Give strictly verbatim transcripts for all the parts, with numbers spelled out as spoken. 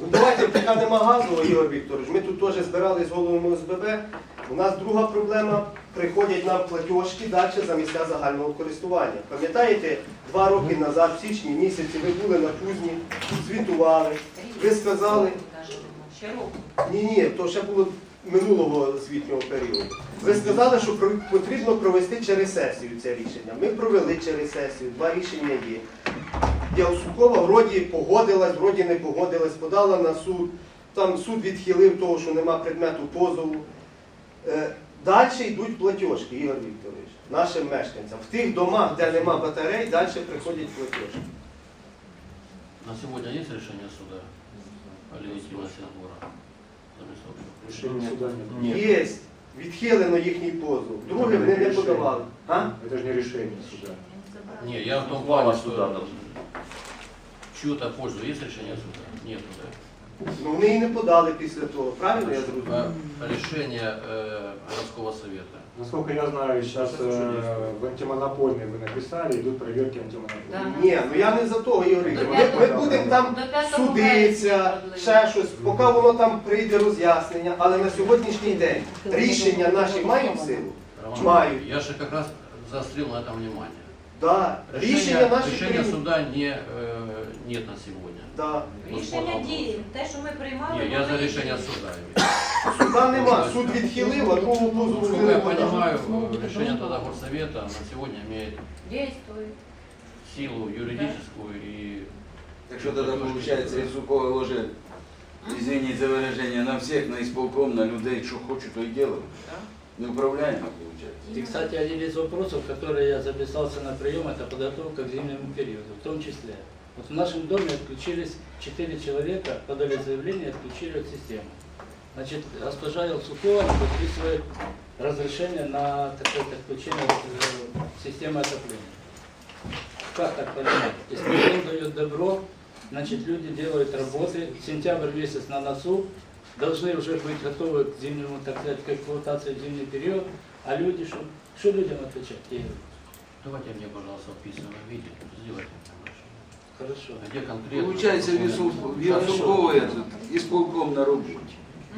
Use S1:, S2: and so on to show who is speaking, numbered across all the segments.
S1: Ну, давайте, поки нема газу, Ігор Вікторович, ми тут теж збирали з головами О С Б Б. У нас друга проблема, приходять нам платіжки далі за місця загального користування. Пам'ятаєте, два роки назад, в січні місяці, ви були на Кузні, звітували, ви сказали,
S2: Ще року.
S1: ні-ні, то ще було минулого звітнього періоду. Ви сказали, що про- потрібно провести через сесію це рішення. Ми провели через сесію, два рішення є. Яусукова вроді погодилась, вроді не погодилась, подала на суд. Там суд відхилив того, що нема предмету позову. Е, Далі йдуть платіжки, Ігор Вікторович, нашим мешканцям. В тих домах, де нема батарей, далі приходять платіжки.
S3: На сегодня есть решение суда о легитимности отбора?
S4: Решение суда нет.
S1: Є, відхилено їхній позов. Друге вони не подавали. А?
S4: Это же не решение суда.
S3: Не, я в том плане, что в чью-то пользу есть решение суда? Нет, да?
S1: Ну вони і не подали після того, правильно я зрозумів?
S3: А решение э, городского совета.
S4: Насколько я знаю, сейчас э, в антимонопольной вы написали, идут проверки антимонопольной.
S1: Ні, ну я не за того, Ігор Вікторович. Ми, ми будемо там судитися, ще щось, поки воно там прийде роз'яснення, але на сьогоднішній день рішення наші мають силу?
S3: Роман,
S1: Мають.
S3: я же как раз заострил на этом внимание.
S1: Да. Рішення
S3: Решения,
S1: наші
S3: решения
S1: прийняті.
S3: суда не, э, нет на сегодня.
S1: Да.
S2: Рішення діє. Те, що ми приймали,
S3: Не, я
S2: воно
S3: за
S2: і
S3: решение
S2: діє.
S3: суда имею.
S1: Суда нема, суд відхилив, а другого позову
S3: Насколько
S1: вже
S3: я
S1: не подав.
S3: понимаю, решение тогда горсовета на сегодня имеет
S2: Дійствує.
S3: силу юридическую и...
S5: Так что тогда получается, Исукова ложит, извините за выражение, на всех, на исполком, на людей, что хочет, то и делают. Неуправляемо получается.
S6: И, кстати, один из вопросов, который я записался на прием, это подготовка к зимнему периоду, в том числе. Вот в нашем доме отключились четыре человека, подали заявление, отключили от системы. Значит, госпожа Елсукова подписывает разрешение на такое отключение э, системы отопления. Как так понимать? Если он дает добро, значит, люди делают работы, сентябрь месяц на носу, должны уже быть готовы к зимнему, так сказать, к эксплуатации в зимний период, а люди, что, что людям отвечать? Я говорю,
S3: Давайте мне, пожалуйста, в письменном виде. Сделайте мне
S6: хорошо.
S3: Где конкретно?
S5: Получается, в Исукова этот, исполком на работе.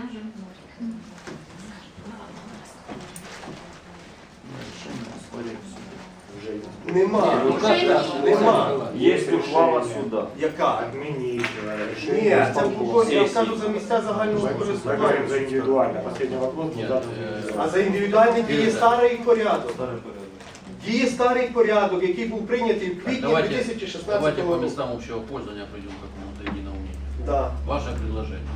S1: Нема.
S6: Ну, как раз,
S1: Нема.
S4: Есть ухвала суда.
S1: Яка?
S4: Отменить э,
S1: Ні,
S4: решение
S1: це
S4: исполкома.
S1: було, я кажу, за місця загального
S4: Мы говорим
S1: користування.
S4: за индивидуально. Последний вопрос был
S3: Нет,
S4: задан
S3: э,
S1: А
S4: индивидуально.
S1: за індивідуальний діє старий порядок. Діє старий порядок, який був прийнятий в квітні
S3: Давайте,
S1: дві тисячі
S3: давайте
S1: шістнадцятого
S3: по
S1: року.
S3: местам общего пользования придем к какому-то единому мнению.
S1: Да.
S3: Ваше предложение.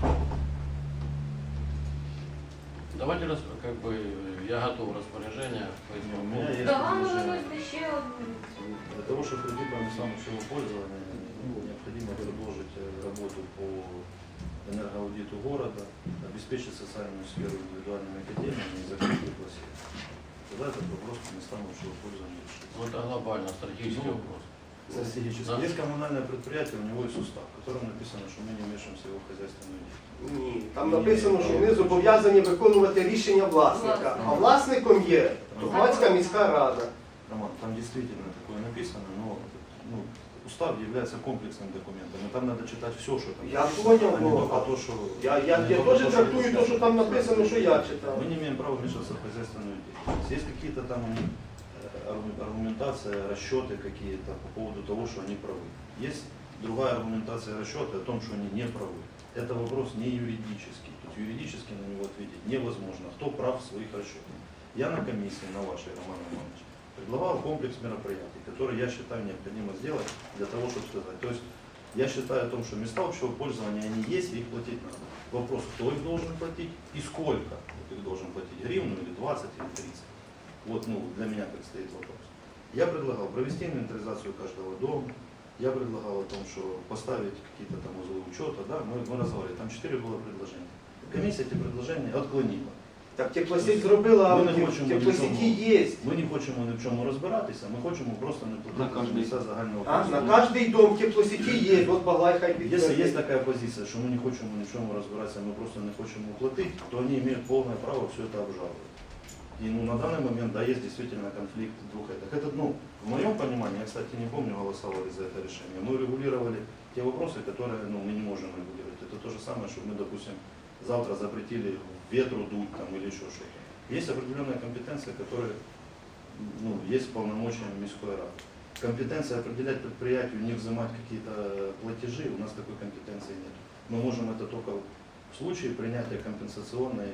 S3: Давайте, раз, как бы, я готов распоряжение по этому
S7: У меня
S3: поводу.
S7: есть
S2: Та вам
S7: предложение.
S2: виносити ще одну.
S7: Для того, чтобы прийти по местам общего пользования, ну, необходимо продолжить э, работу по энергоаудиту города, обеспечить социальную сферу индивидуальными академиями и закрыть пригласить. Тогда этот вопрос по местам общего пользования решится.
S3: Ну, это глобально, стратегический
S7: Ну,
S3: вопрос.
S7: Стратегически.
S3: Да.
S7: Есть коммунальное предприятие, у него есть устав, в котором написано, что мы не вмешиваемся в его хозяйственную деятельность.
S1: Ні, там написано, що вони зобов'язані виконувати рішення власника. А власником є Тухмацька міська рада.
S7: Роман, там действительно такое написано, но ну, устав является комплексным документом, и там надо читать все, что там
S1: Я
S7: написано,
S1: понял,
S7: а не
S1: но-
S7: только то, что...
S1: Я, я,
S7: не
S1: я
S7: только
S1: теж
S7: то, что
S1: трактую те,
S7: написано.
S1: що там написано, що я читав.
S7: Мы не имеем права вмешиваться в хозяйственную деятельность. Есть какие-то там у них э, аргу- аргументация, расчеты какие-то по поводу того, что они правы. Есть другая аргументация, расчеты о том, что они не правы. Это вопрос не юридический. То есть юридически на него ответить невозможно. Кто прав в своих расчетах? Я на комиссии, на вашей, Роман Романович, предлагал комплекс мероприятий, которые я считаю необходимо сделать для того, чтобы сказать. То есть я считаю о том, что места общего пользования, они есть, и их платить надо. Вопрос, кто их должен платить и сколько их должен платить, гривну или двадцать или тридцать. Вот, ну, для меня как стоит вопрос. Я предлагал провести инвентаризацию каждого дома, я предлагал о том, что поставить какие-то там узлы учета, да, мы, мы разговаривали, там четыре было предложения. Комиссия эти предложения отклонила.
S1: Так теплосеть зробила,
S7: Ми не
S1: а
S7: хочемо
S1: теплосеті
S7: нічого.
S1: є.
S7: Ми не хочемо ні в чому розбиратися, ми хочемо просто не
S5: На
S7: платити
S5: кожний.
S7: місця загального
S1: А, на
S7: користування.
S1: кожний дом теплосеті є, от Баглай хай
S7: Если
S1: підтвердить.
S7: есть такая позиция, что мы не хотим ни в чем разбираться, мы просто не хотим уплатить, то они имеют полное право все это обжаловать. И ну, на данный момент, да, есть действительно конфликт двух этих. Это, ну, в моем понимании, я, кстати, не помню, голосовали за это решение, мы регулировали те вопросы, которые ну, мы не можем регулировать. Это то же самое, чтобы мы, допустим, завтра запретили ветру дуть там, или еще что-то. Есть определенная компетенция, которая ну, есть полномочиями Мирской Рады. Компетенция определять предприятию, не взимать какие-то платежи, у нас такой компетенции нет. Мы можем это только в случае принятия компенсационной,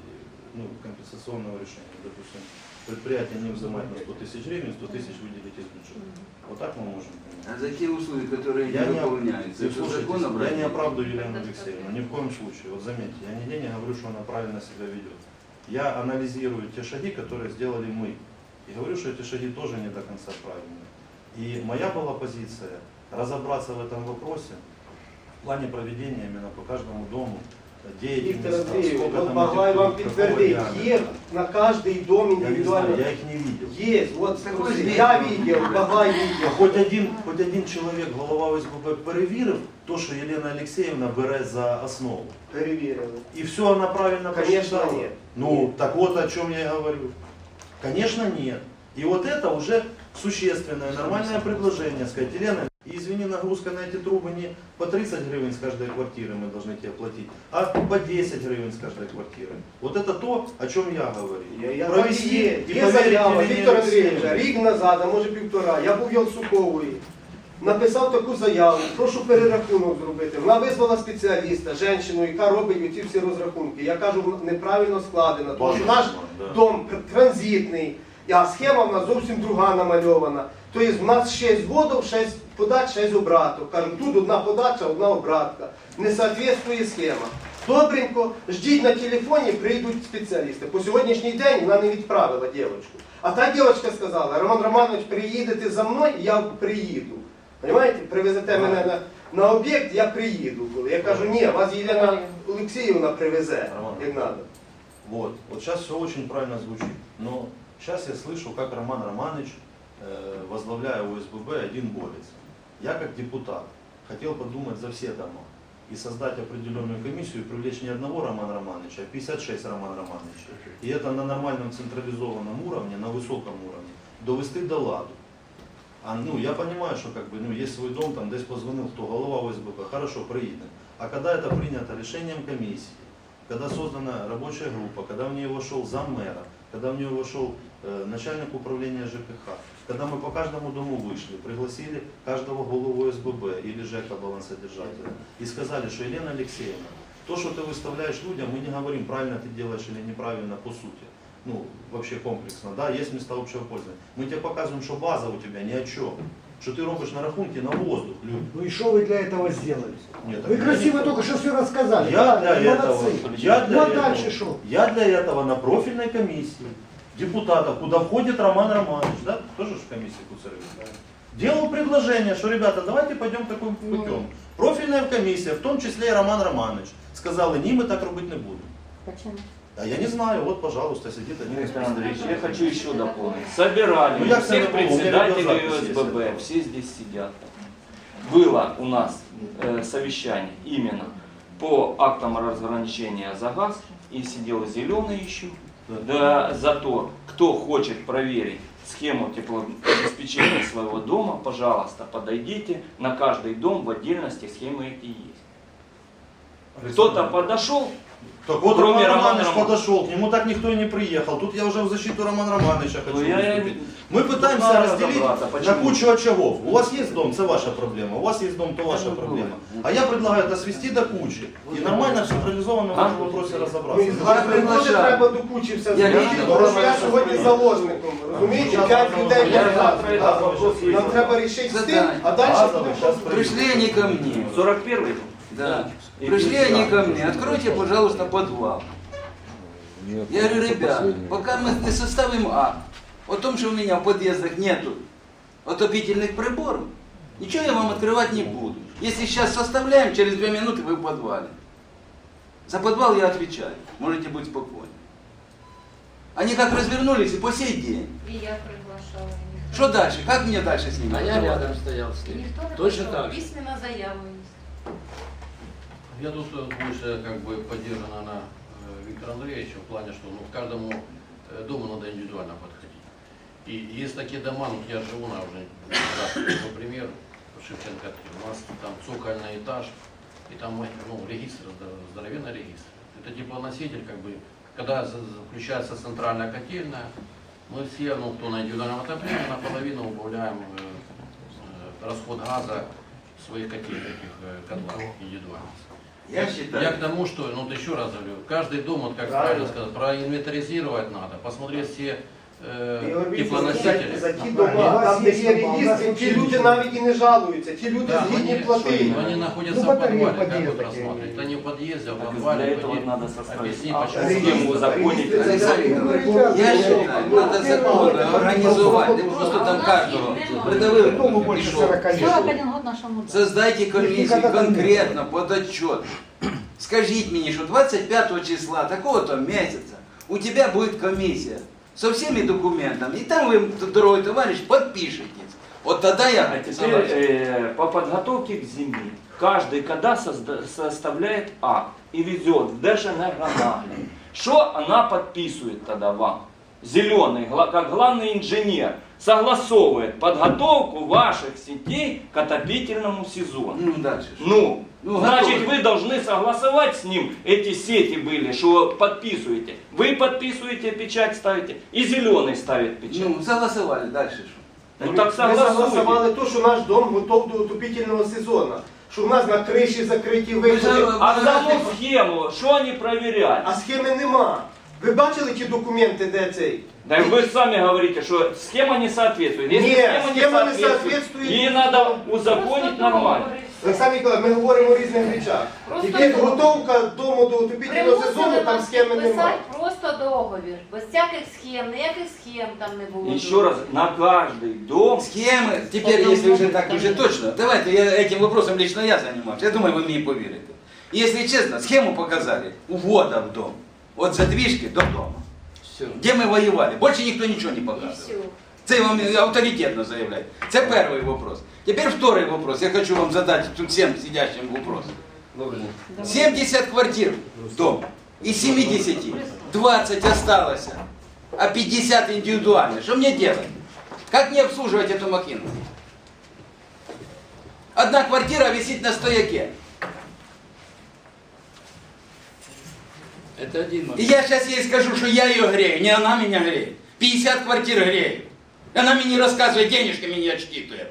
S7: ну, компенсационного решения. Допустим, предприятие не взимать на сто тысяч гривен, сто тысяч выделить из бюджета. Вот так мы можем принять.
S5: А за те услуги, которые
S7: Я
S5: не
S7: не,
S5: выполняются, это
S7: слушайте,
S5: закон
S7: я
S5: обратить?
S7: не оправдываю Елену Алексеевну, ни в коем случае. Вот заметьте, я нигде не говорю, что она правильно себя ведет. Я анализирую те шаги, которые сделали мы. И говорю, что эти шаги тоже не до конца правильные. И моя была позиция разобраться в этом вопросе в плане проведения именно по каждому дому деятельности.
S1: Віктор Андрійович,
S7: сколько
S1: от
S7: там
S1: Баглай
S7: этих
S1: вам
S7: какого
S1: підтвердить,
S7: диаметра.
S1: є на кожний дом
S7: Я не
S1: індивідуально.
S7: знаю, я их не видел.
S1: Есть, вот
S5: Такой
S1: я
S5: зверь.
S1: видел, Баглай
S7: А
S1: видел.
S7: Хоч один, хоч один чоловік, голова ОСББ, перевірив то, що Єлена Алексеєвна бере за основу.
S1: Перевірили.
S7: И все она правильно
S1: Конечно,
S7: посчитала?
S1: нет.
S7: Ну,
S1: Нет.
S7: так вот о чем я и говорю. Конечно, нет. И вот это уже существенное, нормальное предложение. Сказать, Елена, и извини, нагрузка на эти трубы не по тридцать гривен с каждой квартиры мы должны тебе платить, а по десять гривен с каждой квартиры. Вот это то, о чем я говорю.
S1: Я, я
S7: Провести
S1: так і є.
S7: и
S1: Є
S7: поверить
S1: заява
S7: Елене
S1: Віктора Андрійовича,
S7: Алексеевне.
S1: рік назад, а може півтора, я був Ялсукової, написав таку заяву, прошу перерахунок зробити. Вона визвала спеціаліста, жінку, яка робить оці всі розрахунки. Я кажу, вона неправильно складена, тому що наш
S7: Да.
S1: дом транзитний, а схема в нас зовсім друга намальована. Тобто в нас шість вводів, шість подач, шість обраток. Кажу, тут одна подача, одна обратка. Не відповідає схема. Добренько, ждіть на телефоні, прийдуть спеціалісти. По сьогоднішній день вона не відправила дівчинку. А та дівчинка сказала, Роман Романович, приїдете за мною, я приїду. Понимаете? Привезете мене на, на об'єкт, я приїду. Коли. Я кажу, ні, вас Єлена Олексіївна привезе,
S7: Роман.
S1: як треба.
S7: Вот. Вот сейчас все очень правильно звучит. Но сейчас я слышу, как Роман Романович, э, возглавляя ОСББ, один борется. Я как депутат хотел подумать за все дома и создать определенную комиссию и привлечь не одного Романа Романовича, а пятьдесят шесть Романа Романовича. И это на нормальном централизованном уровне, на высоком уровне, довести до ладу. А, ну, я понимаю, что как бы, ну, есть свой дом, там десь позвонил, кто голова ОСББ, хорошо, приедем. А когда это принято решением комиссии, когда создана рабочая группа, когда в нее вошел заммэра, когда в нее вошел э, начальник управления ЖКХ, когда мы по каждому дому вышли, пригласили каждого голову ОСББ или ЖЭКа балансодержателя и сказали, что Елена Алексеевна, то, что ты выставляешь людям, мы не говорим, правильно ты делаешь или неправильно по сути. Ну, вообще комплексно, да, есть места общего пользования. Мы тебе показываем, что база у тебя ни о чем. Что ты робишь на рахунке на воздух, люди.
S8: Ну и что вы для этого сделали?
S7: Нет,
S8: Вы
S7: так
S8: красиво
S7: я не-
S8: только что все рассказали.
S7: Я
S8: Да,
S7: для
S8: вы
S7: этого,
S8: молодцы.
S7: я для
S8: Ну а
S7: этого,
S8: дальше что?
S7: я для этого на профильной комиссии депутатов, куда входит Роман Романович, да, тоже же в комиссии Куцаревич, делал предложение, что, ребята, давайте пойдем таким путем. Профильная комиссия, в том числе и Роман Романович, сказали, ні, ми так робити не будемо.
S2: Почему?
S7: А я не знаю, вот, пожалуйста, сидит один из
S9: Виктор Андреевич, я
S7: представителей.
S9: хочу еще дополнить. Собирали
S7: Ну, я
S9: всех
S7: всегда помню, у меня
S9: председателей
S7: видеозапись есть
S9: ОСББ,
S7: этого.
S9: все здесь сидят. Было у нас э, совещание именно по актам разграничения за газ, и сидел зеленый еще, да, за то, кто хочет проверить схему теплообеспечения своего дома, пожалуйста, подойдите, на каждый дом в отдельности схемы эти есть. Кто-то подошел,
S7: Так вот
S9: Кроме
S7: Роман
S9: Романа
S7: Романович
S9: Романовича.
S7: подошел, к нему так никто и не приехал. Тут я уже в защиту Романа Романовича хочу
S9: Ну, я-
S7: выступить. Мы
S9: Тут
S7: пытаемся
S9: надо
S7: разделить
S9: разобраться,
S7: на
S9: почему.
S7: кучу очагов. У вас есть дом, это ваша проблема. У вас есть дом, то ваша проблема. А я предлагаю это свести до кучи. И нормально, централизованно в
S9: А?
S7: этом вопросе
S1: Ну,
S7: разобраться.
S1: і згадати теж
S5: приглашаю.
S1: треба до кучі все
S5: Я
S1: зробити,
S5: лично
S1: тому що я
S7: прошу
S1: сьогодні
S7: вас.
S1: заложником. Розумієте,
S7: Щас
S1: п'ять
S7: вам
S1: людей
S7: я
S1: не
S7: завтра
S1: завтра.
S7: дам вопрос
S1: Нам
S7: вийду.
S1: треба рішити з тим,
S5: Задання.
S1: а далі
S7: Базовий,
S1: будемо
S7: щас
S5: Пришли они ко мне.
S9: сорок первый
S5: Да.
S9: И
S5: Пришли
S9: пизда.
S5: они ко мне, откройте, пожалуйста, подвал. Я говорю, ребят, пока мы не составим акт о том, что у меня в подъездах нету отопительных приборов, ничего я вам открывать не буду. Если сейчас составляем, через две минуты вы в подвале. За подвал я отвечаю, можете быть спокойны. Они как развернулись и по сей день.
S2: И я приглашала. и никто
S5: Что
S2: не-
S5: дальше? Как мне дальше с ними
S6: А я
S5: разговаривать?
S6: рядом стоял с
S2: И
S6: ним.
S2: никто не
S6: Точно
S2: пришел.
S6: так же.
S2: Письменно заяву есть.
S3: Я тут э, больше как бы поддержана на э, Виктора Андреевича в плане, что ну, к каждому э, дому надо индивидуально подходить. И есть такие дома, ну, я живу на уже, раз, например, в Шевченко, у нас там цокольный этаж, и там ну, регистр, здоровенный регистр. Это типа носитель, как бы, когда включается центральная котельная, мы все, ну, кто на индивидуальном отоплении, наполовину убавляем э, э, расход газа в своих котельных э, котлах индивидуальных.
S5: Я
S3: Я
S5: считаю,
S3: к тому, что, ну, вот еще раз говорю, каждый дом, вот как
S1: Правильно.
S3: правильно сказать, проинвентаризировать надо, посмотреть все э,
S1: Ігор Вікторович,
S3: теплоносители.
S1: За ті
S8: У
S1: дома,
S8: вас
S1: там, де
S8: є
S1: є
S8: дома, у нас
S1: регістри, ті
S8: взагалі
S1: люди
S8: нічого.
S1: навіть і не жалуються, ті люди
S3: Да,
S1: згідні
S3: они,
S1: платити.
S3: но они находятся
S8: Ну,
S3: в
S8: батареи
S3: подвале, как
S8: подъезда
S3: вот
S8: такие
S3: рассматривать. Это не в подъезде, а в
S9: Так
S3: подвале.
S9: для этого
S3: пойди,
S9: надо составить
S3: объясни,
S9: акт,
S3: почему.
S9: схему узаконить.
S1: Регистр-
S5: Олександр Ігорович, я считаю, надо закон организовать, не просто там каждого придавили,
S8: Дому больше
S5: пішов.
S8: сорока лет.
S2: сорок один год нашому.
S5: Создайте комиссию
S8: Никогда там не
S5: конкретно под отчет. Скажите мне, что двадцать пятого числа такого-то месяца у тебя будет комиссия со всеми документами, и там вы, дорогой товарищ, подпишетесь. Вот тогда я
S9: А теперь э, по подготовке к зиме каждый когда созда- составляет акт и везет в Держэнергонагляд. Что она подписывает тогда вам? Зеленый, гла- как главный инженер, согласовывает подготовку ваших сетей к отопительному сезону.
S5: Ну, дальше. что?
S9: Ну,
S5: Ну,
S9: значит,
S5: готовы.
S9: вы должны согласовать с ним, эти сети были, что подписываете. Вы подписываете, печать ставите, и зеленый ставит печать.
S5: Ну, согласовали, дальше что?
S9: Ну, так
S1: Ми
S9: согласуйте.
S1: согласували те, що наш дом готов до отопительного сезону. Що в нас на криші закриті
S5: Ви
S1: виходи.
S5: ж-
S9: А саму схему, что они проверяли?
S1: А схеми нема. Ви бачили ті документи, де цей?
S9: Да и вы сами говорите, что схема не соответствует. Если
S1: Нет,
S9: схема не
S1: схема не
S9: соответствует,
S1: соответствует.
S9: ей надо узаконить нормально.
S1: Олександр Ніколаєвич, ми говоримо о різних речах.
S2: Просто
S1: Тільки
S2: договор.
S1: готовка дому до отопительного сезону,
S2: Примусили
S1: там
S2: нас
S1: схеми немає.
S2: підписати просто договір, без всяких схем, ніяких схем там не було.
S9: Еще раз, на каждый дом
S5: Схемы, теперь, если уже так, уже точно, давайте, я этим вопросом лично я занимался, я думаю, вы мне поверите. Если честно, схему показали увода в дом, от задвижки до дома,
S6: Все.
S5: где мы воевали, больше никто ничего не
S2: І
S5: показывал.
S2: все.
S5: Це я вам авторитетно заявляю. Це перший вопрос. Теперь второй вопрос. Я хочу вам задать тут всем сидящим вопрос. семьдесят квартир дом. Из семидесяти двадцать осталось, а пятьдесят индивидуально. Что мне делать? Как мне обслуживать эту махину? Одна квартира висит на стояке.
S6: Это один
S5: И
S6: момент.
S5: я сейчас ей скажу, что я ее грею, не она меня греет. пятьдесят квартир греет. Она мне не рассказывает, денежками не отчитывает.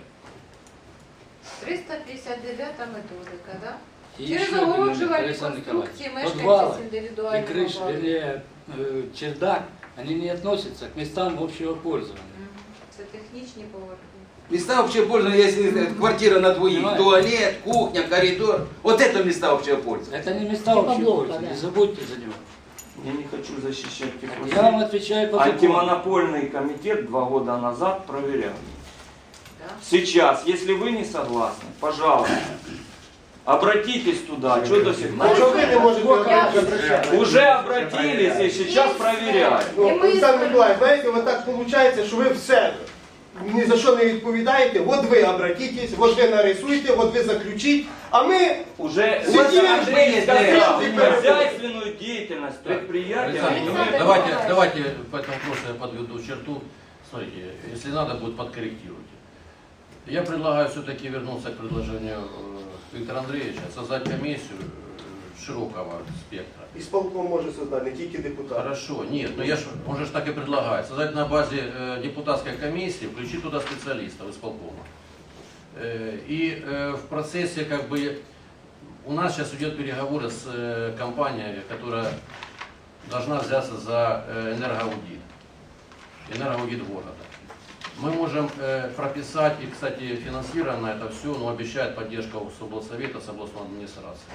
S2: триста п'ятдесят дев'ята методика, да?
S6: И
S2: Через
S6: еще один момент,
S2: огороджувальні
S6: Александр
S2: конструкції
S6: Николаевич.
S2: мешканці
S6: Подвалы
S2: з
S6: и
S2: індивідуальним
S6: крыша,
S2: обладнанням.
S6: вернее, э, чердак, они не относятся к местам общего пользования.
S2: Мгм. Це технічні поверхні.
S5: Места общего пользования, если это квартира на двоих,
S6: Понимаете?
S5: туалет, кухня, коридор. Вот это места общего пользования.
S6: Это не места
S2: Типа
S6: общего
S2: блока,
S6: пользования,
S2: да.
S6: не забудьте за него.
S9: я не хочу защищать
S6: Я вам
S9: теплосеть.
S6: отвечаю по закону.
S9: Антимонопольный комитет два года назад проверял.
S2: Да?
S9: Сейчас, если вы не согласны, пожалуйста, обратитесь туда. Что до сих
S1: А
S9: пор?
S1: чого ви не можете
S2: Я-
S1: обращатися?
S9: Уже обратились и сейчас проверяют.
S1: Ну,
S2: І ми
S1: Олександр
S2: з-
S1: Миколаївич, знаєте, от так виходить, що ви все ні за що не відповідаєте. От ви обратитесь, от ви нарисуйте, от ви заключіть, а ми
S9: Уже
S1: Сидим,
S9: Андрей
S1: ждем,
S9: сказал,
S1: ждем.
S9: хозяйственную деятельность
S3: Так,
S9: предприятия.
S3: Александр,
S9: мы-
S2: Александр
S3: давайте,
S2: Николаевич.
S3: давайте по этому вопросу я подведу черту. Смотрите, если надо будет, подкорректируйте. Я предлагаю все-таки вернуться к предложению э, Виктора Андреевича, создать комиссию э, широкого спектра.
S1: ісполком може создати, не тільки депутат.
S3: Хорошо, нет, ну я ж, он же ж так и предлагает. Создать на базе э, депутатской комиссии, включить туда специалистов из полкома. Э, и э, в процессе как бы у нас сейчас идет переговоры с э, компанией, которая должна взяться за э, энергоаудит. Энергоаудит города. Мы можем э, прописать, и, кстати, финансировано это все, но обещает поддержка с облсовета, с областной администрации.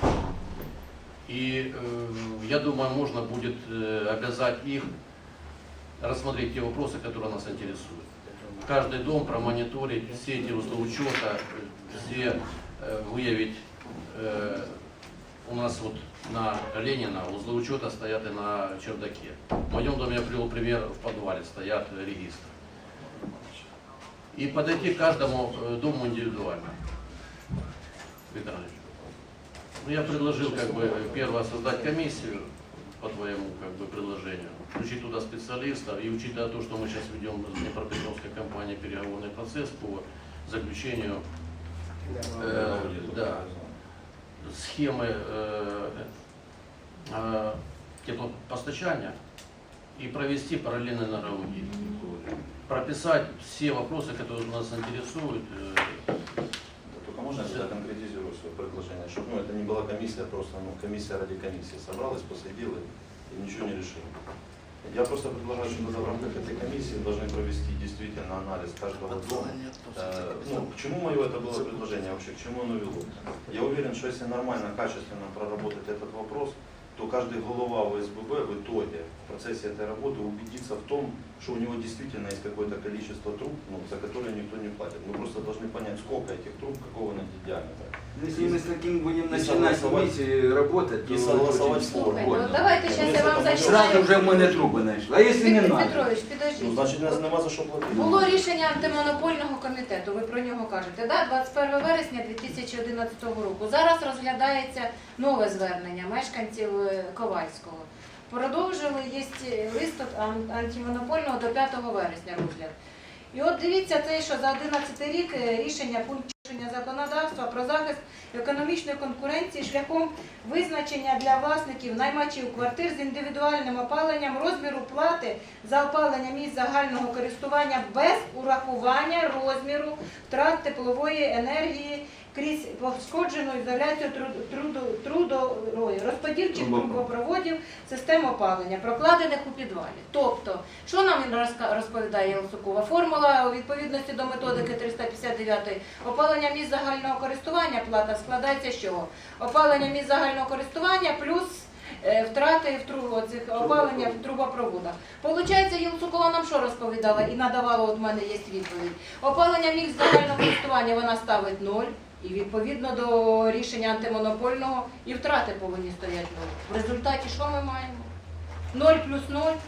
S3: И э, я думаю, можно будет э, обязать их рассмотреть те вопросы, которые нас интересуют. Каждый дом промониторить, все эти узлы учета, э, все э, выявить. Э, у нас вот на Ленина узлы учета стоят и на чердаке. В моем доме я привел пример, в подвале стоят э, регистры. И подойти к каждому э, дому индивидуально. Виктор Андреевич. Ну, я предложил как бы первое создать комиссию по твоему как бы предложению, включить туда специалистов и учитывая то, что мы сейчас ведем с Днепропетровской компанией переговорный процесс по заключению, э, да, схемы э, э, теплопостачания и провести параллельно налоги. Прописать все вопросы, которые нас интересуют. э,
S7: Только можно я тогда конкретизирую свое предложение, чтобы ну, это не была комиссия, просто ну, комиссия ради комиссии собралась, посадила и ничего не решила. Я просто предлагаю, что в рамках этой комиссии должны провести действительно анализ каждого дома. Э, ну, к чему мое это было предложение вообще, к чему оно вело? Я уверен, что если нормально, качественно проработать этот вопрос, то каждый голова в СББ в итоге в процессе этой работы убедится в том, что у него действительно есть какое-то количество труб, ну, за которые никто не платит. Мы просто должны понять, сколько этих труб, какого они диаметра.
S5: Если мы с таким будем
S7: И
S5: начинать
S7: согласовать-
S5: комиссии работать, то
S7: и согласовать
S5: очень
S7: форму.
S2: Слухайте,
S5: больно.
S2: ну давайте зараз я вам
S5: Сразу
S2: зачитаю.
S5: вже в мене труби знайшли. А якщо не
S2: Віктор
S5: надо?
S2: Петрович,
S7: Ну,
S2: підождіть.
S7: значить, нас нема за що платити.
S2: Було рішення антимонопольного комітету, ви про нього кажете, да? двадцять першого вересня дві тисячі одинадцятого року. Зараз розглядається нове звернення мешканців е, Ковальського. Продовжили, є лист ан- антимонопольного до п'ятого вересня розгляд. І от дивіться те, що за одинадцятий рік е, рішення пункт порушення законодавства про захист економічної конкуренції шляхом визначення для власників наймачів квартир з індивідуальним опаленням розміру плати за опалення місць загального користування без урахування розміру втрат теплової енергії крізь пошкоджену ізоляцію труду- трудової, розподільчих трубопроводів, систем опалення, прокладених у підвалі. Тобто, що нам розка- розповідає Єлсукова? Формула у відповідності до методики триста п'ятдесят дев'ять опалення місць загального користування плата складається з чого? Опалення місць загального користування плюс е, втрати в трубу, цих опалення в трубопроводах. Получається, Єлсукова нам що розповідала і надавала, от в мене є відповідь. Опалення місць загального користування вона ставить ноль. І відповідно до рішення антимонопольного і втрати повинні стояти ноль. В результаті що ми маємо? Ноль плюс ноль.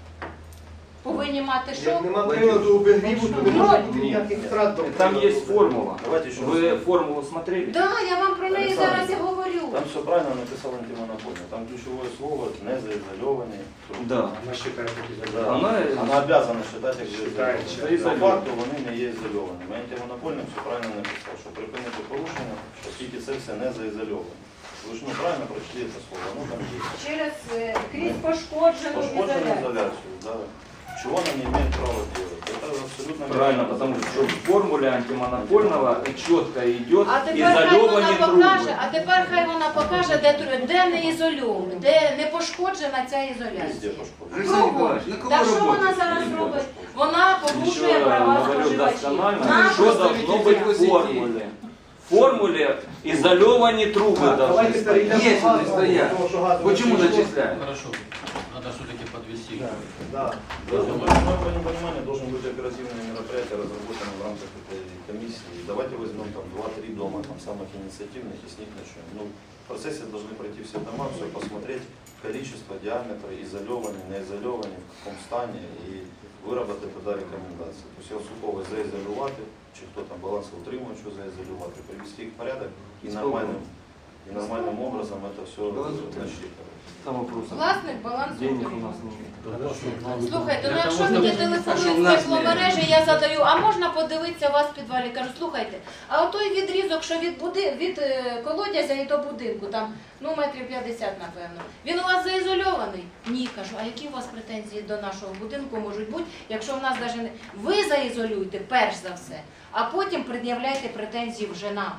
S2: Повинні мати що?
S1: Як нема приладу обігріву, то не може бути ніяких втрат до
S9: Там
S1: приладу.
S9: есть формула.
S7: Давайте еще
S9: Вы
S7: раз.
S9: формулу смотрели?
S2: Так, да, я вам про неї
S7: Олександр,
S2: зараз і говорю.
S7: Там все правильно написал антимонопольно. Там ключевое слово не заизолированные трубы.
S9: Да.
S4: Она считает такие
S7: Да.
S4: задачи.
S7: Она,
S9: Она-
S7: обязана считать их
S4: Считает,
S7: заизольованными.
S9: считает.
S7: По факту вони не є ізольованими. Антимонопольник все правильно написав, що припинити порушення, оскільки це все не заізольовано. Ви ж ну, правильно прочли це слово, ну там є.
S2: Через е, крізь пошкоджену
S7: Пошкоджену
S2: ізоляцію.
S7: изоляцию, да. Чего она не имеет права делать? Это абсолютно
S9: Правильно,
S7: неправильно.
S9: потому что в формуле антимонопольного четко идет
S2: А тепер хай вона
S9: изолированные
S2: покаже,
S9: трубы.
S2: а тепер хай вона покаже, де, тру- де не ізольована, де не пошкоджена ця
S7: Везде
S2: ізоляція.
S7: пошкоджено.
S5: Олександр Миколаївич, на кого
S2: Та що
S5: роботи?
S2: вона зараз
S7: Везде
S2: робить?
S7: пошкоджено.
S2: Вона порушує
S9: Еще
S2: права
S9: говорю
S2: споживачів.
S9: досконально,
S2: Нам
S9: что должно быть в формуле. В формуле изолированные трубы
S1: Так,
S9: должны
S1: давайте
S9: стоять.
S1: перейдемо
S5: Є,
S1: до газу,
S5: вони стоять.
S1: тому що газу
S5: Почему
S1: не прийшло.
S5: начисляют?
S3: Хорошо. Надо все-таки подвести.
S1: Да.
S7: Должен быть, в моем понимании, должен быть оперативное мероприятие, разработанное в рамках этой комиссии. Давайте возьмем там два-три дома, там самых инициативных, и с них начнем. Ну, в процессе должны пройти все дома, все посмотреть, количество, диаметр, изолированный, неизолированный, в каком стане, и выработать тогда рекомендации. То есть Єлсукова заізолювати, чи хто там балансоутримувач заізолювати, привести їх в порядок і нормальним, і нормальним образом это все насчитывать.
S9: Там вопрос.
S2: Власник балансу.
S9: Денег у нас нет.
S2: Слухайте, ну
S3: Для
S2: якщо
S3: того,
S2: мені
S3: щоб-
S5: А що в
S2: телефонують з
S5: нас
S2: тепломережі, я задаю, а можна подивитися у вас в підвалі? Кажу, слухайте, а отой відрізок, що від, буди, від е, колодязя і до будинку, там ну метрів п'ятдесят, напевно, він у вас заізольований? Ні, кажу, а які у вас претензії до нашого будинку можуть бути, якщо в нас навіть не... Ви заізолюєте, перш за все, а потім пред'являйте претензії вже нам.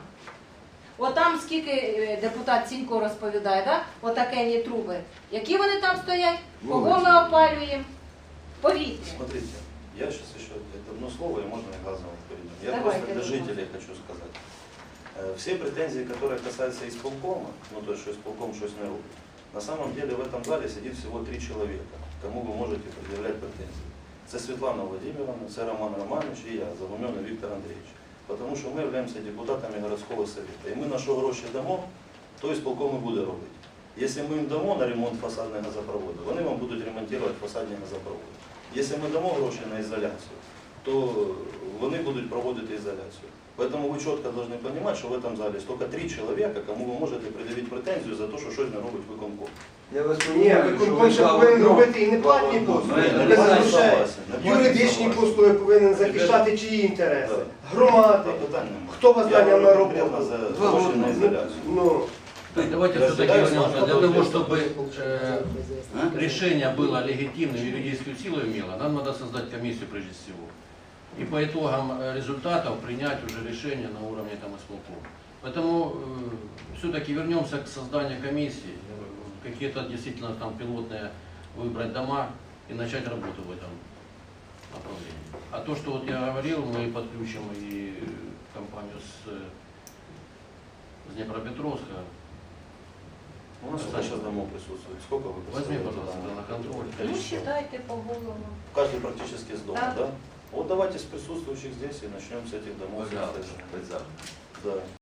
S2: Отам скільки е, депутат Сінько розповідає, да? Отакені труби. Які вони там стоять? Кого ми опалюємо? Повітря.
S7: Смотрите, я сейчас еще это одно слово, и можно и газово перейдем. Я
S2: Давайте,
S7: просто для
S2: давайте.
S7: жителей хочу сказать. Э, Все претензии, которые касаются исполкома, ну то есть, что исполком что-то не рубит, на самом деле в этом зале сидит всего три человека, кому вы можете предъявлять претензии. Это Светлана Владимировна, это Роман Романович и я, Загуменный Виктор Андреевич. Потому что мы являемся депутатами городского совета. И мы на що гроші дамо, то исполком і буде робити. Якщо ми їм дамо на ремонт фасадного газопроводу, вони вам будуть ремонтувати фасадні газопроводи. Якщо ми дамо гроші на ізоляцію, то вони будуть проводити ізоляцію. Поэтому вы четко должны понимать, что в этом зале только три человека, кому вы можете предъявить претензию за то, что щось не робить виконком.
S5: Я вас
S1: Ні, виконком ще повинен робити і не платні послуги.
S5: Ну,
S1: Без
S5: я
S1: грошей.
S7: согласен.
S1: Юридичні послуги повинен захищати чиї інтереси? Громади.
S7: Питань немає.
S1: Хто вас
S7: Я
S1: наняв на
S7: говорю
S1: роботу?
S7: конкретно за
S5: Два
S7: гроші
S5: роки.
S7: на ізоляцію.
S1: Ну,
S3: Давайте все-таки
S7: Разделяю с
S3: вернемся.
S7: вами
S3: Для того,
S7: подробно.
S3: чтобы э,
S5: А?
S3: решение было легитимным, юридическую силу имело, нам надо создать комиссию прежде всего. И по итогам э, результатов принять уже решение на уровне там исполкома. Поэтому э, все-таки вернемся к созданию комиссии, э, какие-то действительно там пилотные выбрать дома и начать работу в этом направлении. А то, что вот я говорил, мы подключим и компанию с, э, с Днепропетровска.
S7: У нас сколько сейчас домов присутствует? Сколько вы
S3: Возьми,
S7: представляете
S3: пожалуйста,
S7: домов?
S3: на контроль.
S2: Ну,
S7: Количество?
S2: считайте по головам.
S7: Каждый практически с дома,
S2: Да.
S7: да? Вот давайте с присутствующих здесь и начнем с этих домов.
S3: Пожалуйста.
S7: Да.